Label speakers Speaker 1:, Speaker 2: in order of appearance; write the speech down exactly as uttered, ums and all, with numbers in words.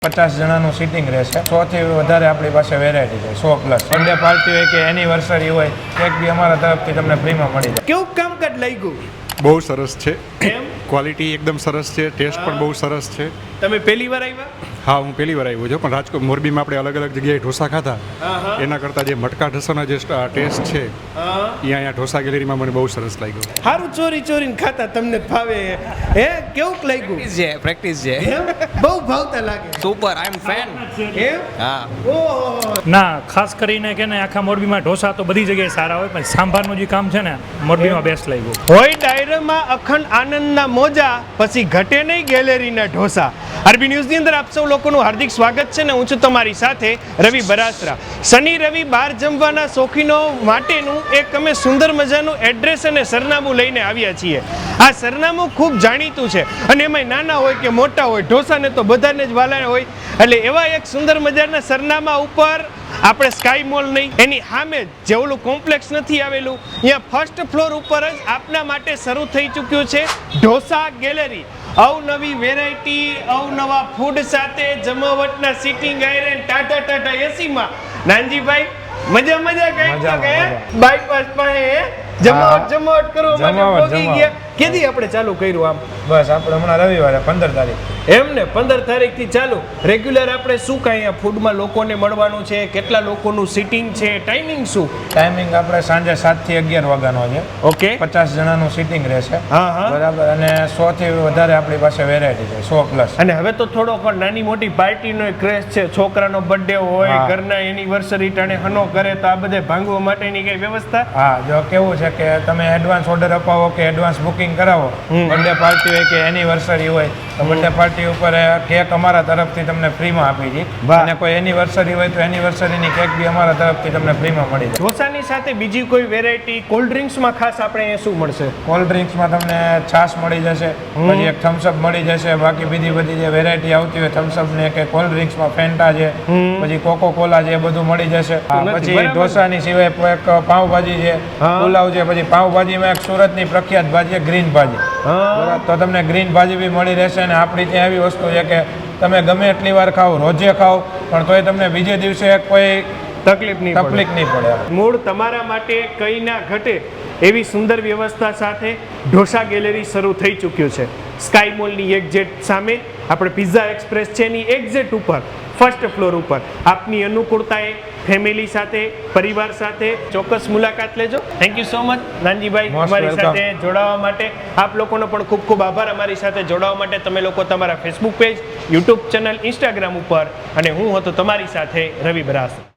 Speaker 1: પચાસ જણાનું સીટિંગ રહેશે. સો થી વધારે આપણી પાસે વેરાયટી છે. સો પ્લસ બર્થડે પાર્ટી હોય કે એનિવર્સરી હોય, કેક બી અમારા તરફથી તમને ફ્રીમાં મળી જાય.
Speaker 2: કેવું કામકાજ લાગ્યું?
Speaker 3: બહુ સરસ છે.
Speaker 2: એમ
Speaker 3: ક્વોલિટી એકદમ સરસ છે. ટેસ્ટ પણ બહુ સરસ છે.
Speaker 2: તમે પહેલી વાર આવ્યા?
Speaker 3: હા, હું પહેલી વાર આવ્યો છું. પણ રાજકોટ મોરબીમાં આપણે અલગ અલગ જગ્યાએ ઢોસા ખાધા, એના કરતાં જે મટકા ઢોસાનો જે ટેસ્ટ છે એ અહીંયા ઢોસા ગેલેરીમાં મને બહુ સરસ લાગ્યો.
Speaker 2: સારું, ચોરી ચોરીને ખાતા તમને ફાવે હે? કેવું લાગ્યું?
Speaker 4: છે પ્રેક્ટિસ છે.
Speaker 2: એમ બહુ ભાવતા લાગે.
Speaker 4: સુપર, આઈ એમ ફેન.
Speaker 2: એમ
Speaker 4: હા.
Speaker 2: ઓહો.
Speaker 5: ના, ખાસ કરીને કે ને આખા મોરબીમાં ઢોસા તો બધી જગ્યાએ સારા હોય, પણ સાંભારનું જે કામ છે ને મોરબીમાં બેસ્ટ લાગ્યું.
Speaker 2: હોય ડાયરામાં અખંડ આનંદના મોજા, પછી ઘટે નહીં ગેલેરીના ઢોસા. આરબી ન્યૂઝની અંદર આપ સૌ લોકોનું હાર્દિક સ્વાગત છે ને હું છું તમારી સાથે રવિ બરાસરા. શનિ રવિ બહાર જમવાના શોખીનો માટેનું એક અમે સુંદર મજાનું એડ્રેસ અને સરનામું લઈને આવ્યા છીએ. આ સરનામું ખૂબ જાણીતું છે અને એમાં નાના હોય કે મોટા હોય, ઢોસાને તો બધાને જ વાલા હોય. એટલે એવા એક સુંદર મજાના સરનામા ઉપર આપણે સ્કાય મોલ નહીં, એની સામે જ જે ઓલું કોમ્પ્લેક્સ નથી આવેલું, અહીંયા ફર્સ્ટ ફ્લોર ઉપર જ આપના માટે શરૂ થઈ ચૂક્યું છે ઢોસા ગેલેરી. અવનવી વેરાયટી, અવનવા ફૂડ સાથે જમાવટના સિટિંગ આયરન ટાટા ટાટા એસીમાં. નાનજીભાઈ મજા મજા કઈ તો કે બાયપાસ પાસે જમાવટ જમાવટ કરવા માટે પહોંચી ગયા. કેદી આપણે ચાલુ કર્યું આમ?
Speaker 1: બસ આપણે હમણાં રવિવારે પંદર તારીખ
Speaker 2: એમ ને પંદર તારીખ થી ચાલુ. રેગ્યુલર આપણે શું કાંઈ અહીંયા ફૂડમાં લોકોને મળવાનું છે? કેટલા લોકોનું સિટિંગ છે? ટાઈમિંગ શું?
Speaker 1: ટાઈમિંગ આપણે સાંજે સાત થી અગિયાર વાગ્યાનો છે.
Speaker 2: ઓકે,
Speaker 1: પચાસ જણાનું સીટિંગ રહેશે.
Speaker 2: હા હા
Speaker 1: બરાબર. અને સો થી વધારે આપણી પાસે વેરાયટી છે. સો પ્લસ.
Speaker 2: અને હવે તો થોડો પણ નાની મોટી પાર્ટીનો ક્રેઝ છે. છોકરાનો બર્થડે હોય,
Speaker 1: હા.
Speaker 2: ઘરના એનિવર્સરી ટાણે હનો કરે તો આ બધે ભાંગવા માટેની કઈ વ્યવસ્થા?
Speaker 1: હા, જો કેવું છે કે તમે એડવાન્સ ઓર્ડર અપાવો કે એડવાન્સ બુકિંગ કરાવો, બર્થડે પાર્ટી હોય કે એનિવર્સરી હોય તો બર્થડે પાર્ટી ઉપર કેક અમારા તરફથી તમને ફ્રીમાં આપી છે. અને કોઈ એનિવર્સરી હોય તો એનિવર્સરીની કેક બી અમારા તરફથી તમને ફ્રીમાં મળી જાય.
Speaker 2: ઢોસાની સાથે બીજી કોઈ વેરાયટી? કોલ્ડ ડ્રિંક્સમાં ખાસ આપણે અહીંયા શું મળશે?
Speaker 1: કોલ્ડ ડ્રિંક્સમાં તમને છાશ મળી જશે, પછી એક થમ્સઅપ મળી જશે. બાકી બીજી બધી જે વેરાયટી આવતી હોય થમ્સઅપ ને કે કોલ્ડ ડ્રિંક્સમાં ફેન્ટા છે, પછી કોકો કોલા છે, એ બધું મળી જશે. પછી ઢોસાની સિવાય એક પાવભાજી છે, પુલાવ છે. પછી પાવભાજીમાં એક સુરતની પ્રખ્યાત ભાજી છે ગ્રીન ભાજી. બરાબર, તો તમને ગ્રીન ભાજી બી મળી રહેશે. અને આપણી ત્યાં એવી વસ્તુ છે કે તમે ગમે એટલી વાર ખાઓ, રોજે ખાઓ, પણ તોય તમને બીજે દિવસે કોઈ
Speaker 2: તકલીફ નહીં
Speaker 1: તકલીફ નહીં પડે.
Speaker 2: મૂળ તમારા માટે કઈ ના ઘટે એવી સુંદર વ્યવસ્થા સાથે ઢોસા ગેલેરી શરૂ થઈ ચૂક્યું છે. સ્કાય મોલની એક્ઝેક્ટ સામે આપણે પિઝા એક્સપ્રેસ છે એની એક્ઝેક્ટ ઉપર ફર્સ્ટ ફ્લોર ઉપર આપની અનુકૂળતાએ ફેમિલી સાથે, પરિવાર સાથે ચોક્કસ મુલાકાત લેજો. Thank you so much Nanjibhai, અમારી સાથે જોડાવા માટે. આપ લોકોનો પણ ખૂબ ખૂબ આભાર અમારી સાથે જોડાવા માટે. તમે લોકો તમારા Facebook page, YouTube channel, Instagram ઉપર, અને હું હતો તમારી સાથે રવિ બરાસ.